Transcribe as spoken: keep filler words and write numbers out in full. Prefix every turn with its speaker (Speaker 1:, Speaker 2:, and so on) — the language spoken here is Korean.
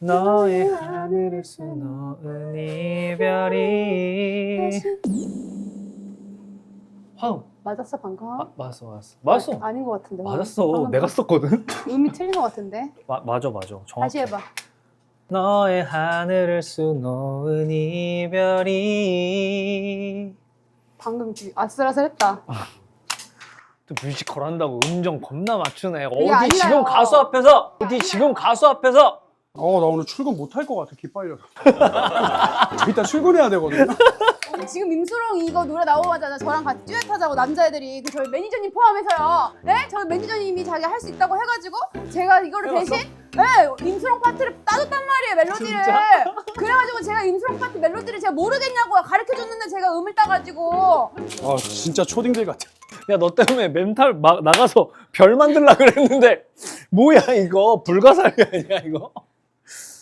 Speaker 1: 너의 하늘을 수놓은 이별이. 화음.
Speaker 2: 맞았어 방금?
Speaker 1: 아, 맞았어 맞았어 맞았어.
Speaker 2: 아, 아닌 것 같은데.
Speaker 1: 맞았어.
Speaker 2: 방금
Speaker 1: 내가 썼거든.
Speaker 2: 음이 틀린 것 같은데.
Speaker 1: 마, 맞아 맞아. 정확해.
Speaker 2: 다시 해봐.
Speaker 1: 너의 하늘을 수놓은 이별이.
Speaker 2: 방금 그 아슬아슬했다.
Speaker 1: 또 뮤지컬 한다고 음정 겁나 맞추네. 어디
Speaker 2: 아니라요.
Speaker 1: 지금 가수 앞에서 어디 지금 가수 앞에서
Speaker 3: 어, 나 오늘 출근 못 할 것 같아. 기빨려서. 저 이따 출근해야 되거든요.
Speaker 2: 지금 임수롱 이거 노래 나오자마자 저랑 같이 듀엣 하자고 남자애들이 그 저희 매니저님 포함해서요. 네? 저 매니저님이 자기 할 수 있다고 해가지고 제가 이거를 대신 네, 임수롱 파트를 따줬단 말이에요 멜로디를.
Speaker 1: 진짜?
Speaker 2: 그래가지고 제가 임수롱 파트 멜로디를 제가 모르겠냐고요. 가르쳐줬는데 제가 음을 따가지고.
Speaker 3: 아, 진짜 초딩들 같아.
Speaker 1: 야 너 때문에 멘탈 막 나가서 별 만들라 그랬는데 뭐야 이거 불가사리 아니야 이거?